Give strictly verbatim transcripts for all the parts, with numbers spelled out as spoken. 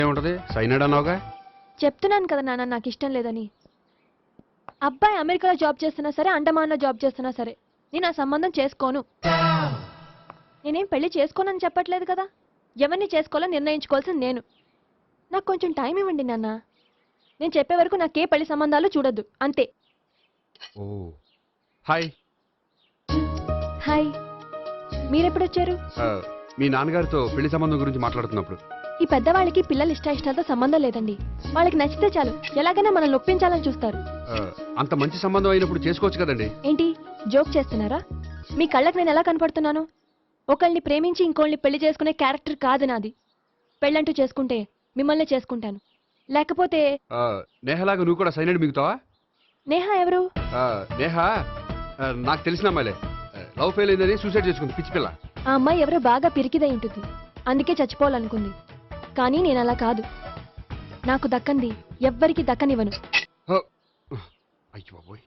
ఏముంటది సైనడ్ అన్నావుగా. చెప్తున్నాను కదా నాన్న నాకు ఇష్టం లేదని. అబ్బాయి అమెరికాలో జాబ్ చేస్తున్నా సరే, అండమాన్లో జాబ్ చేస్తున్నా సరే నేను ఆ సంబంధం చేసుకోను. నేనేం పెళ్లి చేసుకోనని చెప్పట్లేదు కదా. ఎవరిని చేసుకోవాలో నిర్ణయించుకోవాల్సింది నేను. నాకు కొంచెం టైం ఇవ్వండి నాన్న. నేను చెప్పే వరకు నాకే పెళ్లి సంబంధాలు చూడొద్దు అంతే. ఓ హాయ్. హాయ్, మీరెప్పుడు వచ్చారు? మీ నాన్నగారితో పెళ్లి సంబంధం గురించి మాట్లాడుతున్నప్పుడు. ఈ పెద్దవాళ్ళకి పిల్లలు ఇష్ట ఇష్టాలతో సంబంధం లేదండి. వాళ్ళకి నచ్చితే చాలు, ఎలాగైనా మనల్ని ఒప్పించాలని చూస్తారు. అంత మంచి సంబంధం అయినప్పుడు చేసుకోవచ్చు కదండి. ఏంటి జోక్ చేస్తున్నారా? మీ కళ్ళకి నేను ఎలా కనపడుతున్నాను? ఒకళ్ళని ప్రేమించి ఇంకోళ్ళని పెళ్లి చేసుకునే క్యారెక్టర్ కాదు నాది. పెళ్ళంటూ చేసుకుంటే మిమ్మల్ని చేసుకుంటాను, లేకపోతే నేహలాగా నువ్వు కూడా సైనడ్ మిగుతావా? నేహ ఎవరు? నేహ నాకు తెలిసిన అమ్మాయిలే. లవ్ ఫెయిల్ అయిందని సూసైడ్ చేసుకుంది పిచ్చి పిల్ల. ఆ అమ్మాయి ఎవరో బాగా పిరికిదై ఉంటుంది, అందుకే చచ్చిపోవాలనుకుంది. కానీ నేను అలా కాదు. నాకు దక్కంది ఎవ్వరికి దక్కనివ్వను. అయ్యో బాబోయ్.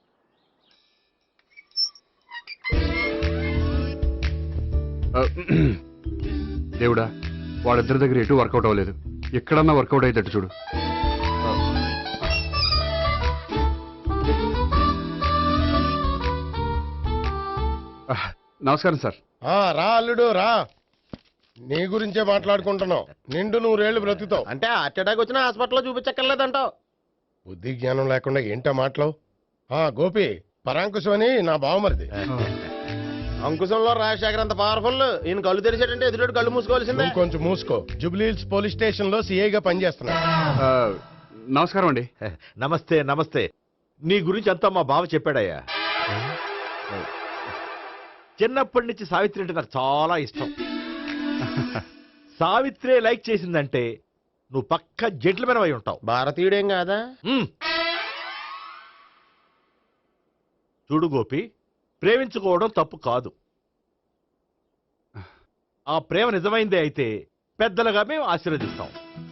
దేవుడా, వాళ్ళిద్దరి దగ్గర ఎటు వర్కౌట్ అవ్వలేదు. ఎక్కడన్నా వర్కౌట్ అయ్యేటట్టు చూడు. నమస్కారం సార్. రా అల్లుడు రా. నీ గురించే మాట్లాడుకుంటున్నావు. నిండు నూరేళ్లు బ్రతుకుతావు అంటే హార్ట్ అటాక్ వచ్చినా హాస్పిటల్లో చూపించక్కర్లేదంటావు. బుద్ధి జ్ఞానం లేకుండా ఏంటో మాటలు. గోపి పరాంకుశం అని నా బావమరిది. అంకుశంలో రాజశేఖర్ అంత పవర్ఫుల్. ఈయన కళ్ళు తెరిచాడంటే ఎదురు కళ్ళు మూసుకోవాల్సిందే. కొంచెం మూసుకో. జూబ్లీహిల్స్ పోలీస్ స్టేషన్ లో సిఐగా పనిచేస్తున్నా. నమస్కారం అండి. నమస్తే నమస్తే. నీ గురించి అంతా మా బావ చెప్పాడయ్యా. చిన్నప్పటి నుంచి సావిత్రి అంటే నాకు చాలా ఇష్టం. సావిత్రే లైక్ చేసిందంటే నువ్వు పక్క జెంట్లమెన్ అయి ఉంటావు. భారతీయుడేం కాదా? చూడు గోపి, ప్రేమించుకోవడం తప్పు కాదు. ఆ ప్రేమ నిజమైందే అయితే పెద్దలుగా మేము ఆశీర్వదిస్తాం.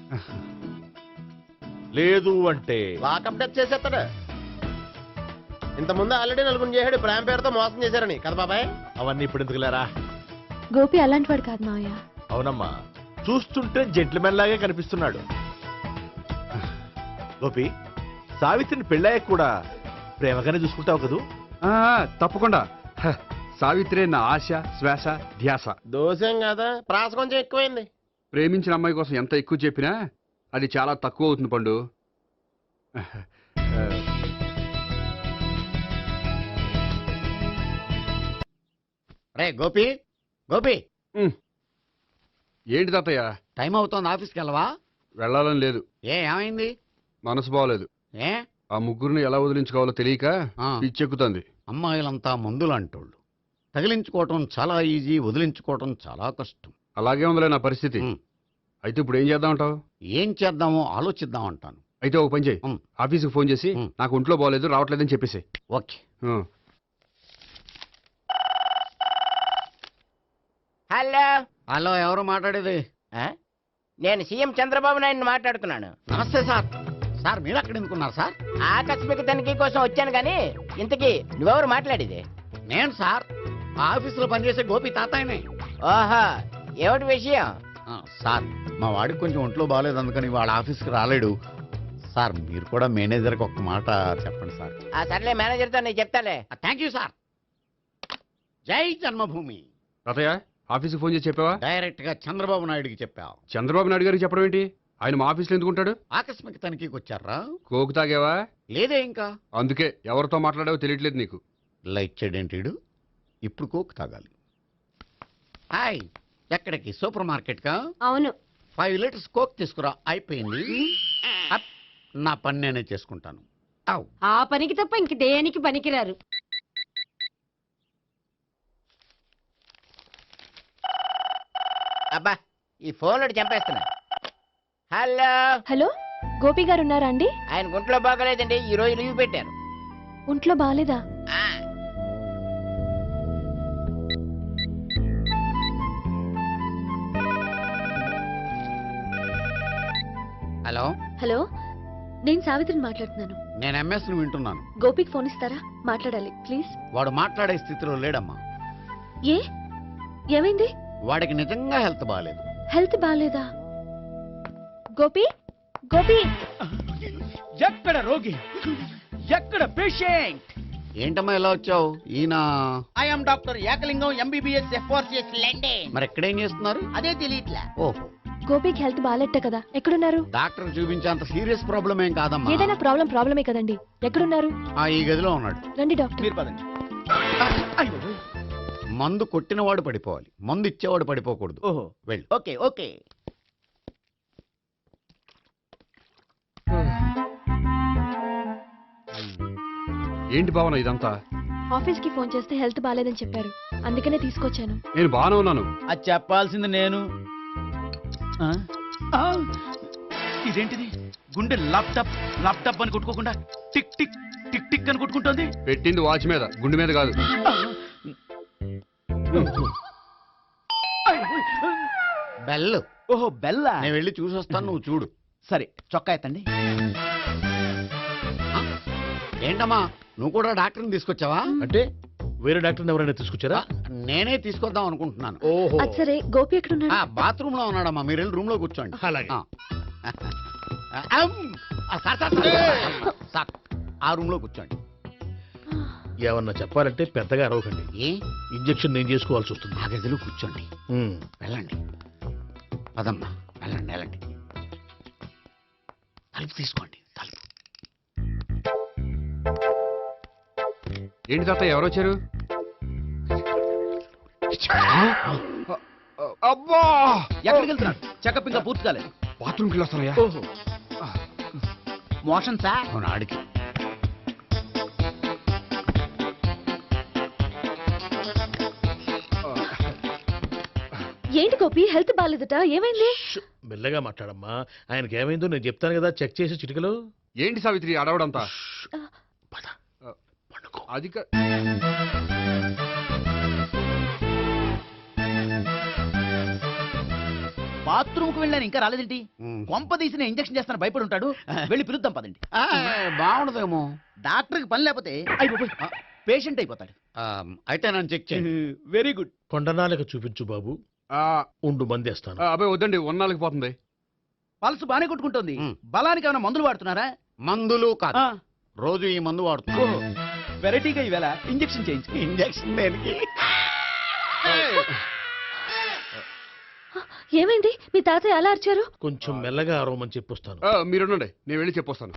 లేదు అంటే లాకప్ డెత్ చేసేస్తాడు. ఇంతకుముందు ఆల్రెడీ నలుగురు చేశాడు ప్రేమ పేరుతో మోసం చేశారని కదా బాబాయ్. అవన్నీ ఇప్పుడు ఎందుకు లేరా? గోపి అలాంటి వాడు కాదు మావయ్య. అవునమ్మా, చూస్తుంటే జెంట్లమెన్ లాగే కనిపిస్తున్నాడు. గోపి, సావిత్రిని పెళ్ళాక కూడా ప్రేమగానే చూసుకుంటావు కదూ? తప్పకుండా. సావిత్రే నా ఆశ, శ్వాస, ధ్యాస. దోషం కదా, ప్రాస కొంచెం ఎక్కువైంది. ప్రేమించిన అమ్మాయి కోసం ఎంత ఎక్కువ చెప్పినా అది చాలా తక్కువ అవుతుంది పండు. రే గోపి, గోపి ఏంటి తాతయ్య? టైం అవుతోంది, ఆఫీస్కి వెళ్ళవా? వెళ్ళాలని లేదు. ఏ ఏమైంది? మనసు బాగోలేదు. ఏ ఆ ముగ్గురిని ఎలా వదిలించుకోవాలో తెలియక పిచ్చెక్కుతుంది. అమ్మాయిలంతా మందులు అంటోళ్ళు. తగిలించుకోవటం చాలా ఈజీ, వదిలించుకోవటం చాలా కష్టం. అలాగే ఉందిలే నా పరిస్థితి. అయితే ఇప్పుడు ఏం చేద్దామంటావు? ఏం చేద్దామో ఆలోచిద్దాం అంటాను. అయితే ఒక పని చేయి, ఆఫీస్కి ఫోన్ చేసి నాకు ఒంట్లో బాగోలేదు రావట్లేదని చెప్పేసి. ఓకే. హలో హలో, ఎవరు మాట్లాడేది? నేను సీఎం చంద్రబాబు నాయుడు మాట్లాడుతున్నాను. నమస్తే సార్. సార్ మీరు అక్కడ ఎందుకున్నారు సార్? ఆకస్మిక తనిఖీ కోసం వచ్చాను కానీ ఇంతకీ నువ్వెవరు మాట్లాడేది? నేను సార్, ఆఫీసులో పనిచేసే గోపి తాతాయనే. ఓహో, ఏమిటి విషయం? సార్, మా వాడికి కొంచెం ఒంట్లో బాగాలేదు, అందుకని వాళ్ళ ఆఫీస్కి రాలేడు. సార్ మీరు కూడా మేనేజర్కి ఒక మాట చెప్పండి సార్. ఆ సర్లే, మేనేజర్తో నేను చెప్తాలే. Thank you sir. Jai Janmabhoomi. తాతయ్య, ఆఫీస్కి ఫోన్ చేసి చెప్పావా? డైరెక్ట్ గా చంద్రబాబు నాయుడుకి చెప్పావు. చంద్రబాబు నాయుడు గారికి చెప్పడం ఏంటి? ఆయన మా ఆఫీస్లో ఎందుకుంటాడు? ఆకస్మిక తనిఖీకి వచ్చారా? కోకు తాగావా? లేదే ఇంకా. అందుకే ఎవరితో మాట్లాడావో తెలియట్లేదు నీకు. లైక్ చేయడేంటిడు, ఇప్పుడు కోక్ తాగాలి. హాయ్, ఎక్కడికి? సూపర్ మార్కెట్ కా? అవును. ఫైవ్ లీటర్స్ కోక్ తీసుకురా. అయిపోయింది. నా పని నేనే చేసుకుంటాను. ఆ పనికి తప్ప ఇంక దేనికి పనికిరారు. అబ్బా, ఈ ఫోన్ చంపేస్తున్నా. హలో హలో, గోపి గారు ఉన్నారా అండి? ఆయన గుంట్లో బాగలేదండి, ఈ రోజు లీవ్ పెట్టారు. ఒంట్లో బాగాలేదా? హలో హలో, నేను సావిత్రిని మాట్లాడుతున్నాను. నేను ఎంఎస్ ను వింటున్నాను. గోపికి ఫోన్ ఇస్తారా? మాట్లాడాలి ప్లీజ్. వాడు మాట్లాడే స్థితిలో లేడమ్మా. ఏ ఏమైంది? వాడికి నిజంగా హెల్త్ బాగాలేదు. హెల్త్ బాగాలేదా? గోపి గోపి ఎక్కడ రోగి ఎక్కడ పేషెంట్? ఏంటమ్మా ఎలా వచ్చావు? ఈయన I'm doctor Ekalingam MBBS FRCS London. మరి ఎక్కడేం చేస్తున్నారు? అదే తెలియట్లా. ఓహో, గోపికి హెల్త్ బాగాలెట్ట కదా, ఎక్కడున్నారు? డాక్టర్ చూపించేంత సీరియస్ ప్రాబ్లం ఏం కాదమ్మా. ఏదైనా ప్రాబ్లం ప్రాబ్లమే కదండి. ఎక్కడున్నారు? ఆ, ఈ గదిలో ఉన్నాడు. రండి డాక్టర్. మీరు పదండి. అయ్యో. మందు కొట్టినవాడు పడిపోవాలి, మందు ఇచ్చేవాడు పడిపోకూడదు. ఓహో, వెళ్ళు. Okay okay. ఏంటి భావన ఇదంతా? ఆఫీస్ కి ఫోన్ చేస్తే హెల్త్ బాగాలేదని చెప్పారు, అందుకనే తీసుకొచ్చాను. నేను బాగానే ఉన్నాను. అది చెప్పాల్సింది నేను. ఆ? ఆ! ఇదేంటిది? గుండె ల్యాప్టాప్ ల్యాప్టాప్ అని కొట్టుకోకుండా టిక్ టిక్ టిక్ టిక్ అని కొట్టుకుంటోంది. పెట్టింది వాచ్ మీద, గుండె మీద కాదు. బెల్. ఓహో, బెల్లా. నేను వెళ్ళి చూసి వస్తాను, నువ్వు చూడు. సరే, చొక్కా ఎత్తండి. ఏంటమ్మా, నువ్వు కూడా డాక్టర్ని తీసుకొచ్చావా? అంటే వేరే డాక్టర్ని ఎవరైనా తీసుకొచ్చారా? నేనే తీసుకొద్దాం అనుకుంటున్నాను. ఓహో, అది సరే, గోపి ఎక్కడున్నాడు? బాత్రూమ్ లో ఉన్నాడమ్మా, మీరు వెళ్ళి రూమ్ లో కూర్చోండి. అలాగే. ఆ. అమ్! ఆ, సార్, సార్, సార్, సార్, ఆ రూమ్ లో కూర్చోండి. ఏమన్నా చెప్పాలంటే పెద్దగా అరవకండి. ఏ ఇంజెక్షన్ నేను చేసుకోవాల్సి వస్తుంది. ఆ గదిలో కూర్చోండి. ఉమ్. వెళ్ళండి, పదమ్మా, వెళ్ళండి వెళ్ళండి. తలుపు తీసుకోండి, తలుపు. ఏంటి తాత ఎవరు వచ్చారు? అబ్బా, ఎక్కడికి వెళ్తున్నాడు? చెకప్ ఇంకా పూర్తి కాలేదు. బాత్రూమ్కి వెళ్ళొస్తానయ్యా. ఓహో, మోషన్ సార్. అవును, ఆడికి. ఏంటి గోపి, హెల్త్ బాగాలేదట, ఏమైంది? మెల్లగా మాట్లాడమ్మా, ఆయనకి ఏమైందో నేను చెప్తాను కదా, చెక్ చేసి చిటికలో. ఏంటి సావిత్రి అడవడంతా? పద, పండుకో. అది కా- బాత్రూమ్ కు వెళ్ళాను, ఇంకా రాలేదేంటి? ఉమ్. కొంప తీసిన ఇంజక్షన్ చేస్తాను భయపడి ఉంటాడు. వెళ్ళి పిలుద్దాం పదండి. ఆ, బాగుండదేమో. డాక్టర్కి పని లేకపోతే అయిపోయి పేషెంట్ అయిపోతాడు. ఆ, అయితే నన్ను చెక్ చేయండి. Very good. కొండనాలకు చూపించు బాబు, ఆ, ఉండు మందేస్తాను. ఆ, అబ్బాయి వద్దండి, ఉన్నాళ్ళకి పోతుంది. పల్స్ బానే కొట్టుకుంటుంది. ఉమ్. బలానికి ఏమైనా మందులు వాడుతున్నారా? మందులు కాదు, ఆ, రోజు ఈ మందు ఓహో, వాడుతున్నాను. వెరైటీగా ఈవేళ ఇంజక్షన్ చేయించు. ఇంజక్షన్ దేనికి? ఏమైంది? మీ తాతయ్య అలా అరిచారు? కొంచెం మెల్లగా అరవమని చెప్పొస్తాను. ఆ, మీరు ఉండండి, నేను వెళ్ళి చెప్పొస్తాను.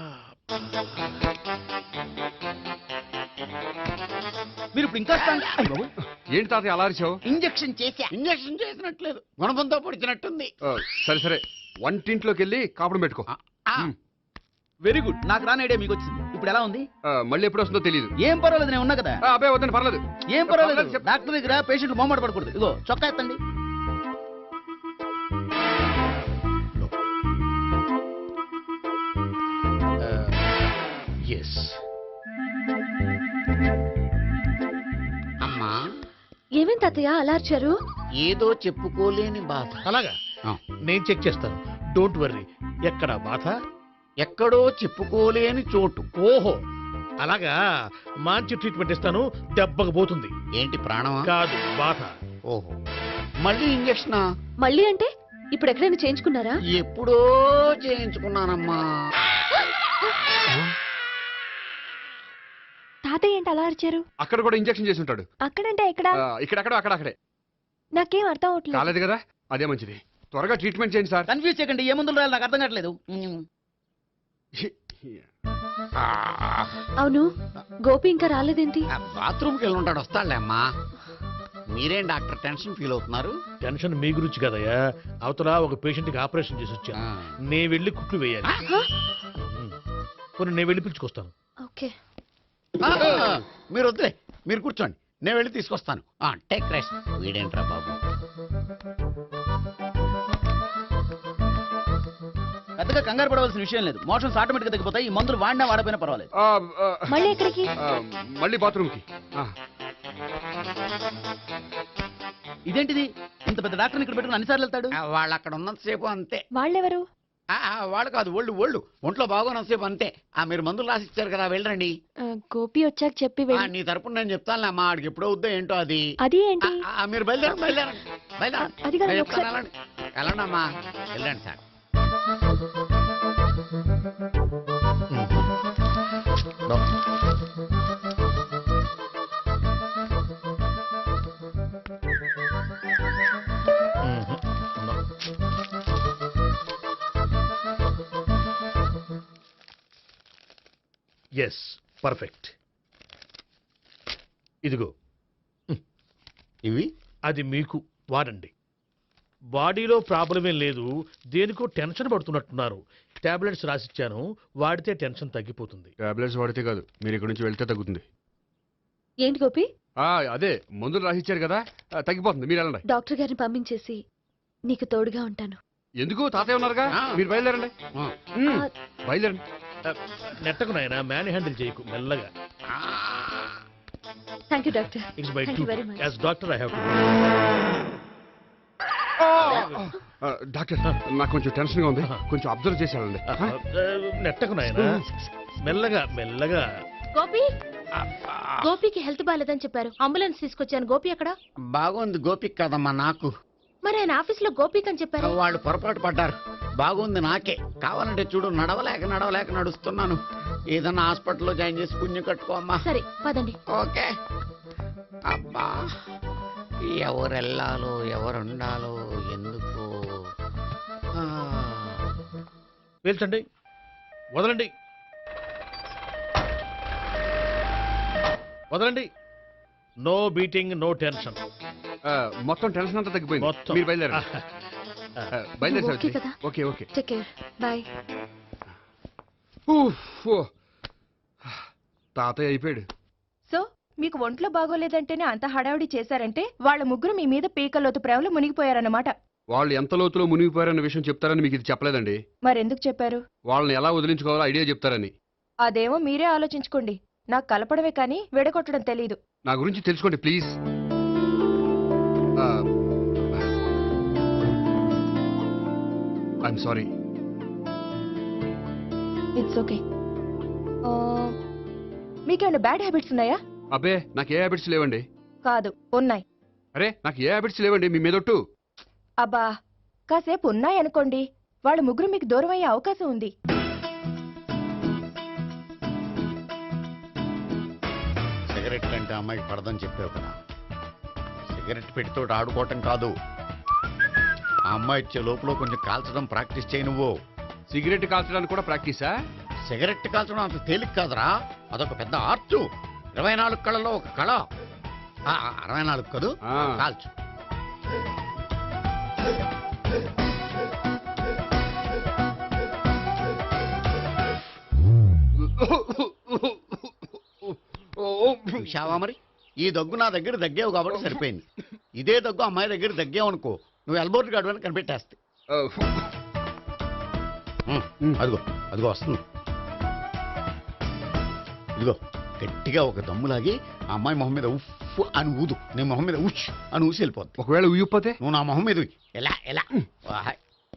మీరు ఇప్పుడు ఇంకా strong- అయ్ బాబోయ్. ఏంటి తాత అలా అరిచావు? ఇంజక్షన్ చేశా. ఇంజక్షన్ చేసినట్లేదు, గుణపంతో పొడిచినట్టుంది. ఆ, సరే సరే, వంటింట్లోకి వెళ్ళి కాపురం పెట్టుకో. ఆ, ఆ, ఉమ్. Very good. నాకు రాని ఐడియా మీకు వచ్చింది. ఇప్పుడు ఎలా ఉంది? ఆ, మళ్ళీ ఎప్పుడు వస్తుందో తెలియదు. ఏం పర్వాలేదు, నేను ఉన్నా కదా. అబ్బాయి వద్దండి, పర్లేదు. ఏం పర్వాలేదు. పర్వాలేదు, చెప్పు. డాక్టర్ దగ్గర పేషెంట్ మొహమాట పడకూడదు. ఇగో చొక్కా ఎత్తండి. ఎస్. అమ్మా, ఏమేం తాతయ్య అలా అరిచారు? ఏదో చెప్పుకోలేని బాధ. అలాగా, ఆ, నేను చెక్ చేస్తాను, డోంట్ వర్రీ. ఎక్కడ బాధ? ఎక్కడో చెప్పుకోలేని చోటు. ఓహో, అలాగా, మంచి ట్రీట్మెంట్ ఇస్తాను, దెబ్బకు పోతుంది. ఏంటి, ప్రాణమా? కాదు, బాధ. ఓహో, మళ్ళీ ఇంజక్షనా? మళ్ళీ అంటే ఇప్పుడు ఎక్కడైనా చేయించుకున్నారా? ఎప్పుడో చేయించుకున్నానమ్మా. తాతయ్య ఏంటి అలా అరిచారు? అక్కడ కూడా ఇంజక్షన్ చేసి ఉంటాడు. అక్కడంటే ఎక్కడ? ఆ, ఇక్కడక్కడ అక్కడక్కడే. నాకేం అర్థం అవట్లేదు. కాలేదు కదా, అదే మంచిది. త్వరగా ట్రీట్మెంట్ చేయండి సార్. కన్ఫ్యూజ్ చేయకండి. ఏ మందులు రాయాలి నాకు అర్థం కావట్లేదు. అవును, గోపి ఇంకా రాలేదేంటి? బాత్రూమ్కి వెళ్ళి ఉంటాడు, వస్తాడులే అమ్మా. మీరేం డాక్టర్ టెన్షన్ ఫీల్ అవుతున్నారు? టెన్షన్ మీ గురించి కదయ్యా, అవతల ఒక పేషెంట్ కి ఆపరేషన్ చేసి వచ్చాను, ఆ. నే వెళ్ళి కుట్లు వేయాలి. హ? కొన్ని నేను వెళ్ళి పిలుచుకొస్తాను. ఓకే. ఆ, మీరు వద్దులే, మీరు కూర్చోండి, నేను వెళ్ళి తీసుకొస్తాను. Take rest. వీడేంట్రా బాబు? పెద్దగా కంగారు పడవలసిన విషయం లేదు. మోషన్స్ ఆటోమేటిక్ గా తగ్గిపోతాయి. ఈ మందులు వాడినా వాడపోయినా పర్వాలేదు. ఆ, ఆ, మళ్ళీ ఎక్కడికి? ఆ, మళ్ళీ బాత్రూమ్కి. ఆ, ఇదేంటిది? ఇంత పెద్ద డాక్టర్ని ఇక్కడ పెట్టుకుని అన్నిసార్లు వెళ్తాడు. ఆ, వాళ్ళు అక్కడ ఉన్నంతసేపు అంతే. వాళ్ళెవరు? ఆ, ఆ, వాళ్ళు కాదు, ఒళ్ళు ఒళ్ళు ఒంట్లో బాగోనంతసేపు అంతే. ఆ, మీరు మందులు రాసి ఇచ్చారు కదా, వెళ్ళండి. ఆ, గోపి వచ్చాక చెప్పి ఆ, వెళ్ళి. నీ తరపున నేను చెప్తానులే అమ్మా, ఆడికి ఎప్పుడో వద్దో ఏంటో అది. అది ఏంటి? ఆ, ఆ, మీరు బయలుదేరండి, బయలుదేరండి, బయలుదేరండి. అది కాదు, నేను ఒకసారి- చెప్తాను, వెళ్ళండి. వెళ్ళండి అమ్మా, వెళ్ళండి సార్. Yes perfect. ఇదిగో ఇవి అది మీకు వాడండి. బాడీలో ప్రాబ్లం ఏం లేదు, దేనికో టెన్షన్ పడుతున్నట్టున్నారు. టాబ్లెట్స్ రాసిచ్చాను, వాడితే టెన్షన్ తగ్గిపోతుంది. టాబ్లెట్స్ వాడితే కాదు, మీరు ఇక్కడ నుంచి వెళ్తే తగ్గుతుంది. ఏంటి గోపి? ఆ, అదే మందులు రాసిచ్చారు కదా, ఆ, తగ్గిపోతుంది. మీరు వెళ్ళండి. డాక్టర్ గారిని పంపించేసి నీకు తోడుగా ఉంటాను. ఎందుకు? తాతయ్య ఉన్నారుగా, ఆ. మీరు బయలుదేరండి. ఆ. ఉమ్, ఆ, బయలుదేరండి. నెట్టకు నాయన, మ్యాన్ హ్యాండిల్ చేయకు, మెల్లగా. Thank you doctor. It's by Thank too you very much. As doctor I have to. ఆ, డాక్టర్, నాకు కొంచెం టెన్షన్ గా ఉంది, కొంచెం అబ్జర్వ్ చేసి వెళ్ళండి. ఆ? నెట్టకు నాయన, మెల్లగా మెల్లగా. గోపి గోపికి హెల్త్ బాగాలేదని చెప్పారు, అంబులెన్స్ తీసుకొచ్చాను. గోపి అక్కడ? బాగుంది గోపిక్ కదమ్మా నాకు. మరి ఆయన ఆఫీస్ లో గోపిక్ అని చెప్పారు. వాళ్ళు పొరపాటు పడ్డారు. బాగుంది నాకే. కావాలంటే చూడు, నడవలేక నడవలేక నడుస్తున్నాను. ఏదన్నా హాస్పిటల్లో జాయిన్ చేసి పుణ్యం కట్టుకో అమ్మా. సరే పదండి. ఓకే. అబ్బా, ఎవరు వెళ్ళాలో ఎవరు ఉండాలో ఎందుకు. ఆ. పేల్చండి, వదలండి, వదలండి. No beating, no tension. ఆ, మొత్తం టెన్షన్ అంతా తగ్గిపోయింది. మొత్తం. మీరు బయలుదేరండి. ఆ, బయలుదేరి ఓకే సావిత్రి. కదా? Okay okay. Take care. Bye. ఊఫ్, ఓ. తాతయ్య అయిపోయాడు. సో మీకు ఒంట్లో బాగోలేదంటేనే అంత హడావిడి చేశారంటే వాళ్ళ ముగ్గురు మీ మీద పీకలోతు ప్రేమలో మునిగిపోయారన్నమాట. వాళ్ళు ఎంత లోతులో మునిగిపోయారన్న విషయం చెప్తారని మీకు ఇది చెప్పలేదండి. మరెందుకు చెప్పారు? వాళ్ళని ఎలా వదిలించుకోవాలో ఐడియా చెప్తారని. అదేమో మీరే ఆలోచించుకోండి. నాకు కలపడమే కానీ విడగొట్టడం తెలీదు. నా గురించి తెలుసుకోండి please. I'm sorry. It's okay. మీకేమైనా బ్యాడ్ హ్యాబిట్స్ ఉన్నాయా? అబ్బే, నాకు ఏ హ్యాబిట్స్ లేవండి. కాదు, ఉన్నాయి. అరే, నాకు ఏ హ్యాబిట్స్ లేవండి మీ మీదొట్టు. అబ్బా, కాసేపు ఉన్నాయనుకోండి, వాళ్ళ ముగ్గురు మీకు దూరం అయ్యే అవకాశం ఉంది. సిగరెట్ అంటే అమ్మాయికి పడదని చెప్పావు కదా. సిగరెట్ పెట్టితో ఆడుకోవటం కాదు. ఆ అమ్మాయి ఇచ్చే లోపల కొంచెం కాల్చడం ప్రాక్టీస్ చేయి నువ్వు. సిగరెట్ కాల్చడానికి కూడా ప్రాక్టీసా? సిగరెట్ కాల్చడం అంత తేలిక కాదురా, అదొక పెద్ద ఆర్చు. ఇరవై నాలుగు కళలో ఒక కళ. ఆ, అరవై నాలుగు కదూ, ఆ. కాల్చు. చూశావా మరి, ఈ దగ్గు నా దగ్గర దగ్గేవు కాబట్టి సరిపోయింది. ఇదే దగ్గు అమ్మాయి దగ్గర దగ్గేవు అనుకో, నువ్వు ఎల్బోర్డ్ గాడు అని కనిపెట్టేస్తే. ఉమ్, అదిగో అదిగో వస్తుంది. ఇదిగో గట్టిగా ఒక దమ్ములాగి ఆ అమ్మాయి మొహం మీద ఉఫ్ అని ఊదు. నీ మొహం మీద ఉష్ అని ఊసి వెళ్ళిపోద్ది. ఒకవేళ ఊయకపోతే నువ్వు నా మొహం మీద ఉయ్. ఎలా ఎలా వాహ్.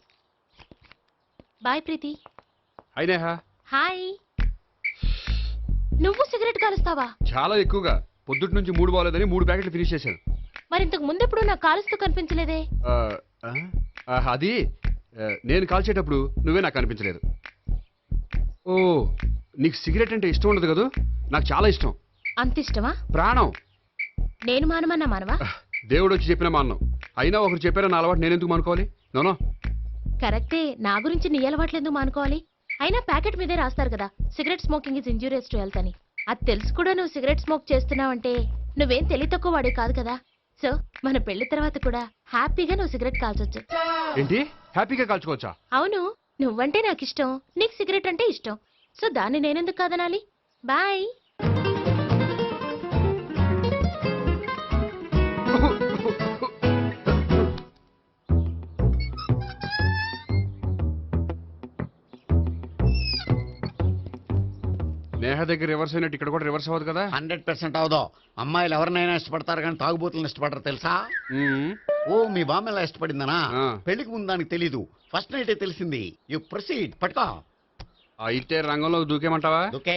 బాయ్ ప్రీతి. అయినా హాయ్. నువ్వు సిగరెట్ కాలుస్తావా? చాలా ఎక్కువగా. పొద్దుటి నుంచి మూడు బాగోలేదని మూడు ప్యాకెట్లు ఫినిష్ చేశాను. మరి ఇంతకు ముందెప్పుడు నాకు కాలుస్తూ కనిపించలేదే? ఆ, ఆ, ఆ, అది ఆ, నేను కాల్చేటప్పుడు నువ్వే నాకు కనిపించలేదు. ఓ, నీకు సిగరెట్ అంటే ఇష్టం ఉండదు కదూ? నాకు చాలా ఇష్టం. అంత ఇష్టమా? ప్రాణం. నేను మానమన్నా మానవా? దేవుడు వచ్చి చెప్పిన మానం. అయినా ఒకరు చెప్పారా నా అలవాటు నేను ఎందుకు మానుకోవాలి? నోనో. కరెక్టే, నా గురించి నీ అలవాట్లు ఎందుకు మానుకోవాలి? అయినా ప్యాకెట్ మీదే రాస్తారు కదా, cigarette smoking is injurious to health అని. అది తెలుసు కూడా నువ్వు సిగరెట్ స్మోక్ చేస్తున్నావంటే నువ్వేం తెలివి తక్కువ వాడే కాదు కదా. సో మన పెళ్లి తర్వాత కూడా హ్యాపీగా నువ్వు సిగరెట్ కాల్చొచ్చు. ఏంటి? హ్యాపీగా కాల్చుకోవచ్చా? అవును, నువ్వంటే నాకు ఇష్టం, నీకు సిగరెట్ అంటే ఇష్టం. సో దాన్ని నేనెందుకు కాదనాలి? బాయ్. నేహ దగ్గర రివర్స్ అయినట్టు ఇక్కడ కూడా రివర్స్ అవ్వదు కదా? హండ్రెడ్ పర్సెంట్ అవదో. అమ్మాయిలు ఎవరినైనా ఇష్టపడతారు కానీ తాగుబోతులను ఇష్టపడరు తెలుసా? మ్మ్. ఓ, మీ బామ్మ ఎలా ఇష్టపడిందనా? ఆ. పెళ్లికి ముందు దానికి తెలీదు, ఫస్ట్ నైటే తెలిసింది. You proceed. పట్టుకో. అయితే రంగంలో దూకేమంటావా? ఓకే.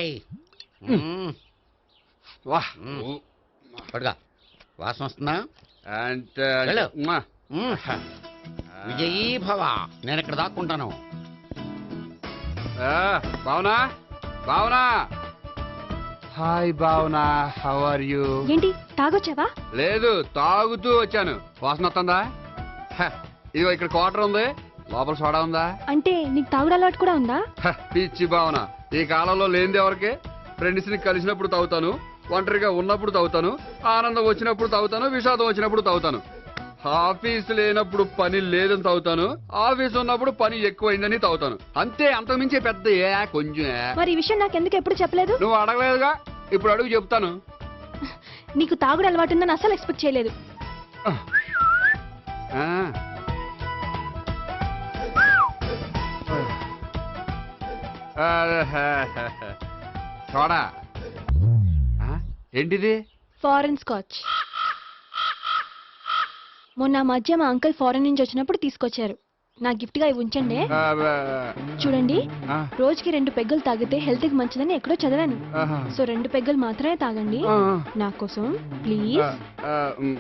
వాహ్. పట్టుకో. వాసన వస్తుందా? అండ్ వెళ్ళు. మ్మా. మ్మ్. విజయీ భవ. నేను ఇక్కడ దాక్కుంటాను. ఆ, Bhavana Bhavana hi Bhavana, how are you? ఏంటి తాగొచ్చావా? లేదు, తాగుతూ వచ్చాను. వాసన వస్తుందా? హ, ఇదిగో ఇక్కడ క్వార్టర్ ఉంది, లోపల సోడా ఉందా? అంటే నీకు తాగుడు అలవాటు కూడా ఉందా? హ, పిచ్చి భావన, ఈ కాలంలో లేనిది ఎవరికి? ఫ్రెండ్స్ ని కలిసినప్పుడు తాగుతాను, ఒంటరిగా ఉన్నప్పుడు తాగుతాను, ఆనందం వచ్చినప్పుడు తాగుతాను, విషాదం వచ్చినప్పుడు తాగుతాను. ఆఫీస్ లేనప్పుడు పని లేదని తాగుతాను, ఆఫీస్ ఉన్నప్పుడు పని ఎక్కువైందని తాగుతాను. అంతే, అంతకుమించే పెద్ద ఏ కొంచెం. మరి ఈ విషయం నాకు ఎందుకు ఎప్పుడు చెప్పలేదు? నువ్వు అడగలేదుగా, ఇప్పుడు అడుగు చెప్తాను. నీకు తాగుడు అలవాటు ఉందని అసలు ఎక్స్పెక్ట్ చేయలేదు. ఆ. సోడా. ఆ, ఏంటిది? Foreign scotch. మొన్న మధ్య మా అంకుల్ ఫారెన్ నుంచి వచ్చినప్పుడు తీసుకొచ్చారు. నా గిఫ్ట్ గా ఇవి ఉంచండి. ఆ, ఆ, చూడండి, ఆ. రోజుకి రెండు పెగ్గులు తాగితే హెల్త్ కి మంచిదని ఎక్కడో చదివాను. ఆహా. సో రెండు పెగ్గులు మాత్రమే తాగండి ఆ. నా కోసం ప్లీజ్. ఆ, ఉమ్.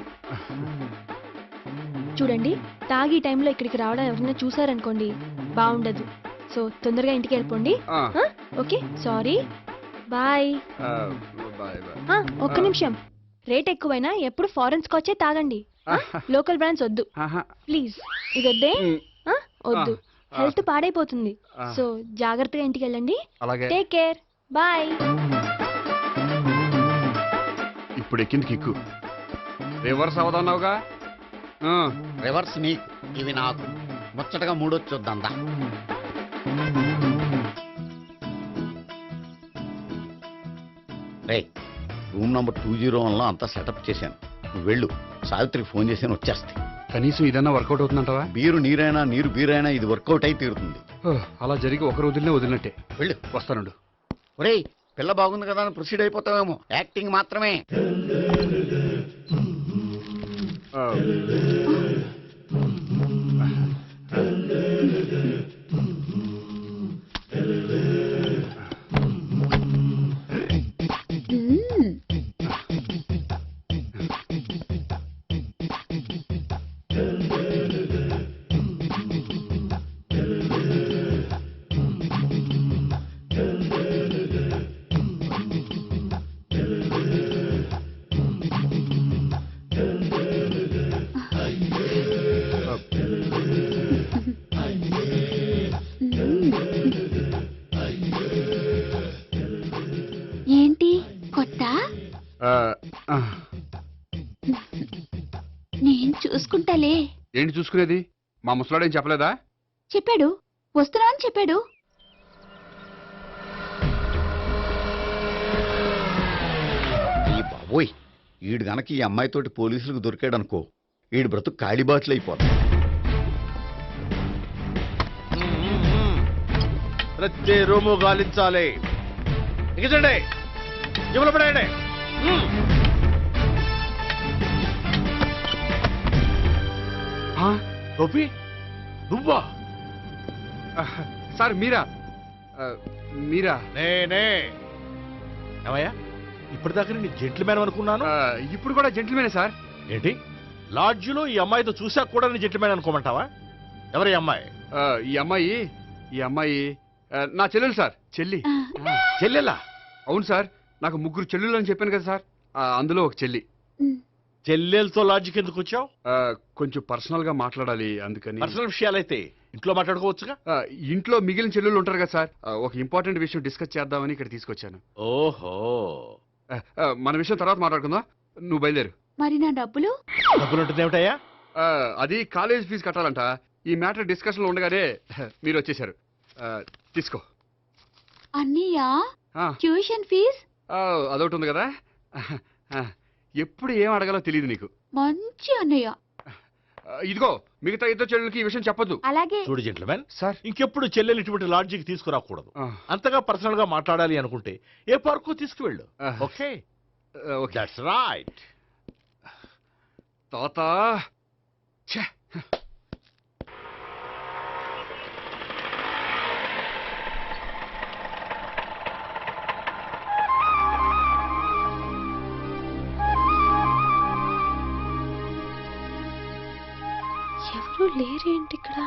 చూడండి, తాగి టైంలో ఇక్కడికి రావడం ఎవరైనా చూసారనుకోండి బాగుండదు. సో తొందరగా ఇంటికి వెళ్ళిపోండి. ఆ. ఆ? Okay, sorry, bye. ఆ, బాయ్ బాయ్. ఆ, ఒక్క నిమిషం. రేట్ ఎక్కువైనా ఎప్పుడు ఫారెన్ స్కాచే తాగండి. ఆ? లోకల్ బ్రాండ్స్ వద్దు ఆహా. ప్లీజ్. ఇది వద్దే? ఉమ్. ఆ? వద్దు, ఆ. హెల్త్ పాడైపోతుంది. ఆ. సో జాగ్రత్తగా ఇంటికి వెళ్ళండి. అలాగే. Take care, bye. ఇప్పుడు ఎక్కింది కిక్కు. రివర్స్ అవదన్నావుగా. ఆ. రివర్స్ నీకు, ఇవి నాకు. ముచ్చటగా మూడొచ్చొద్దందా. రే, room number two zero one లో అంతా సెటప్ చేశాను. నువ్వు వెళ్ళు, సావిత్రికి ఫోన్ చేసాను, వచ్చేస్తాయి. కనీసం ఇదన్నా వర్కౌట్ అవుతుందంటావా? బీరు నీరైనా నీరు బీరైనా ఇది వర్కౌట్ అయి తీరుతుంది. ఓ, అలా జరిగి ఒకరు వదిలినే వదిలినట్టే. వెళ్ళు. వస్తానుండు. ఒరేయ్, పిల్ల బాగుంది కదా అని ప్రొసీడ్ అయిపోతావేమో. యాక్టింగ్ మాత్రమే. ఆ. ఏంటి కొత్త? ఆ, ఆ. నేను చూసుకుంటాలే. ఏంటి చూసుకునేది? మా ముసలాడేం చెప్పలేదా? చెప్పాడు, వస్తున్నా అని చెప్పాడు. ఈ బాబోయ్, ఈడు గనక ఈ అమ్మాయితోటి పోలీసులకు దొరికాడనుకో, ఈడు బ్రతుకు కాళీబాట్లు అయిపోతుంది. ప్రతి రూము గాలించాలి. ఎగించండి, జబ్బులు పడేయండి. ఆ? గోపి, నువ్వా? ఆ, సార్ మీరా? ఆ, మీరా? నేనే. ఏమయ్యా, ఇప్పటిదాకా నేను జెంట్లమ్యాన్ అనుకున్నాను. ఆ, ఇప్పుడు కూడా జెంటిల్మేనే సార్. ఏంటి, లాడ్జిలో ఈ అమ్మాయితో చూసాక కూడా నేను జెంట్లమ్యాన్ అనుకోమంటావా? ఎవరి అమ్మాయి? ఆ, ఈ అమ్మాయి ఈ అమ్మాయి ఆ, నా చెల్లెలు సార్. చెల్లి. చెల్లెలా? అవును సార్, నాకు ముగ్గురు చెల్లెలు అని చెప్పాను కదా సార్, ఆ, అందులో ఒక చెల్లి. చెల్లెలతో లాడ్జికి ఎందుకు వచ్చావు? ఆ, కొంచెం పర్సనల్ గా మాట్లాడాలి అందుకని. పర్సనల్ విషయాలైతే ఇంట్లో మాట్లాడుకోవచ్చుగా. ఆ, ఇంట్లో మిగిలిన చెల్లెలు ఉంటారు కదా సార్, ఆ, ఒక ఇంపార్టెంట్ విషయం డిస్కస్ చేద్దామని ఇక్కడ తీసుకొచ్చాను. ఓహో, ఆ, ఆ, మన విషయం తర్వాత మాట్లాడుకుందాం, నువ్వు బయలుదేరు. మరి నా డబ్బులు? డబ్బులు ఉంటుంది ఏమిటయ్యా? ఆ, అది కాలేజ్ ఫీజు కట్టాలంట. ఈ మ్యాటర్ డిస్కషన్ లో ఉండగానే మీరు వచ్చేసారు. ఆ, తీసుకో. అన్నయ్యా, ఆ, ట్యూషన్ ఫీజ్? ఆ, అదొకటి ఉంది కదా. ఆ, ఎప్పుడు ఏం అడగాలో తెలియదు నీకు. మంచి అన్నయ్య. ఆ, ఇదిగో మిగతా ఇద్దరు చెల్లెలకి ఈ విషయం చెప్పొద్దు. అలాగే. చూడు జెంట్లమ్యాన్, సార్, ఇంకెప్పుడు చెల్లెలు ఇటువంటి లాడ్జికి తీసుకురాకూడదు. ఆ, అంతగా పర్సనల్ గా మాట్లాడాలి అనుకుంటే ఏ పార్కు తీసుకువెళ్ళు. ఆ. ఓకే, ఆ, ఓకే. That's right. తాత ఛే. ఎవరు లేరేంటి ఇక్కడ?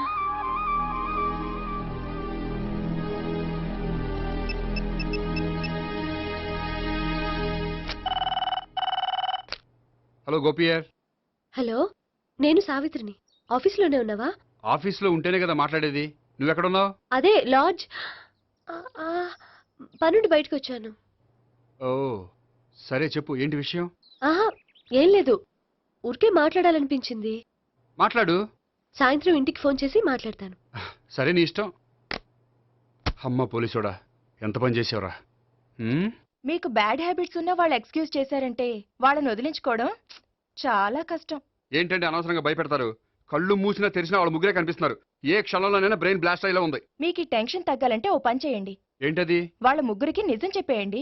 హలో గోపియర్. హలో, నేను సావిత్రిని. ఆఫీస్లోనే ఉన్నావా? ఆఫీస్లో ఉంటేనే కదా మాట్లాడేది. నువ్వెక్కడున్నావు? అదే లాడ్జ్. పనుండి బయటకు వచ్చాను. ఓ సరే చెప్పు, ఏంటి విషయం? ఆహా, ఏం లేదు, ఊరికే మాట్లాడాలనిపించింది. మాట్లాడు. సాయంత్రం ఇంటికి ఫోన్ చేసి మాట్లాడతాను. సరే నీ ఇష్టం. అమ్మ పోలీసోడా, ఎంత పని చేసావురా. హ్మ్? మీకు బ్యాడ్ హ్యాబిట్స్ ఉన్న వాళ్ళు ఎక్స్క్యూజ్ చేశారంటే వాళ్ళని వదిలించుకోవడం చాలా కష్టం. ఏంటంటే అనవసరంగా భయపెడతారు. కళ్ళు మూసినా తెరిచినా వాళ్ళ ముగ్గురే కనిపిస్తున్నారు. ఏ క్షణంలోనైనా బ్రెయిన్ బ్లాస్ట్ అయ్యేలా ఉంది. మీకు ఈ టెన్షన్ తగ్గాలంటే ఓ పని చేయండి. ఏంటది? వాళ్ళ ముగ్గురికి నిజం చెప్పేయండి.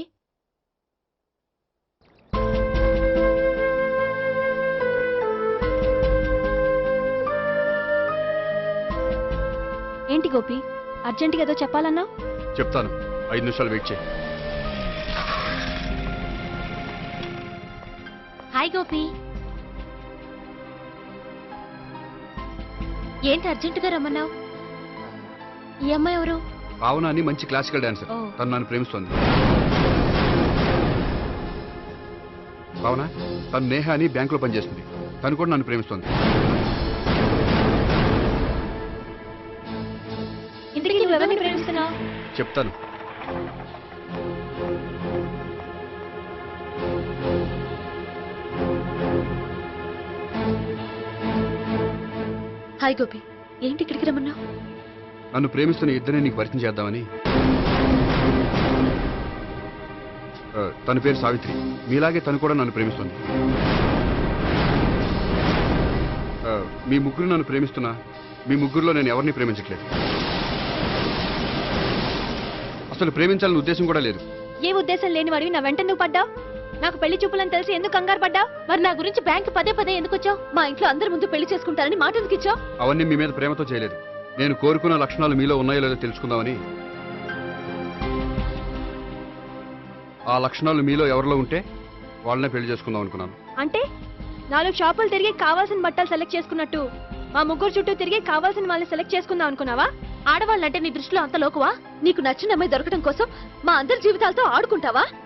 ఏంటి గోపి, అర్జెంటుగా ఏదో చెప్పాలన్నా? చెప్తాను, ఐదు నిమిషాలు వెయిట్ చేయి. హాయ్ గోపి. ఏంటి అర్జెంటుగా రమ్మన్నావు? ఈ అమ్మాయి ఎవరు? భావన అని మంచి క్లాసికల్ డాన్సర్. ఓ. తను నన్ను ప్రేమిస్తోంది. భావన, తను నేహ అని బ్యాంకులో పనిచేస్తుంది. తను కూడా నన్ను ప్రేమిస్తోంది. ఇంతకీ నువ్వెవరిని ప్రేమిస్తున్నావు? చెప్తాను. హాయ్ గోపి, ఏంటి ఇక్కడికి రమ్మన్నావు? నన్ను ప్రేమిస్తున్న ఇద్దరిని నీకు పరిచయం చేద్దామని. ఆ, తన పేరు సావిత్రి. మీలాగే తను కూడా నన్ను ప్రేమిస్తుంది. ఆ, మీ ముగ్గురు నన్ను ప్రేమిస్తున్నా మీ ముగ్గురులో నేను ఎవరిని ప్రేమించట్లేదు. అసలు ప్రేమించాలని ఉద్దేశం కూడా లేదు. ఏ ఉద్దేశం లేని వాడివి నా వెంట నువ్వు పడ్డావు? నాకు పెళ్లి చూపులని తెలిసి ఎందుకు కంగారు పడ్డావు? మరి నా గురించి బ్యాంక్ పదే పదే ఎందుకు వచ్చావు? మా ఇంట్లో అందరి ముందు పెళ్లి చేసుకుంటారని మాట ఎందుకు ఇచ్చావు? అవన్నీ మీ మీద ప్రేమతో చేయలేదు. నేను కోరుకున్న లక్షణాలు మీలో ఉన్నాయో లేదో తెలుసుకుందామని. ఆ లక్షణాలు మీలో ఎవరిలో ఉంటే వాళ్ళనే పెళ్లి చేసుకుందాం అనుకున్నాను. అంటే నాలుగు షాపులు తిరిగి కావాల్సిన బట్టలు సెలెక్ట్ చేసుకున్నట్టు మా ముగ్గురు చుట్టూ తిరిగి కావాల్సిన వాళ్ళని సెలెక్ట్ చేసుకుందాం అనుకున్నావా? ఆడవాళ్ళంటే నీ దృష్టిలో అంత లోకువా? నీకు నచ్చిన అమ్మాయి దొరకడం కోసం మా అందరి జీవితాలతో ఆడుకుంటావా?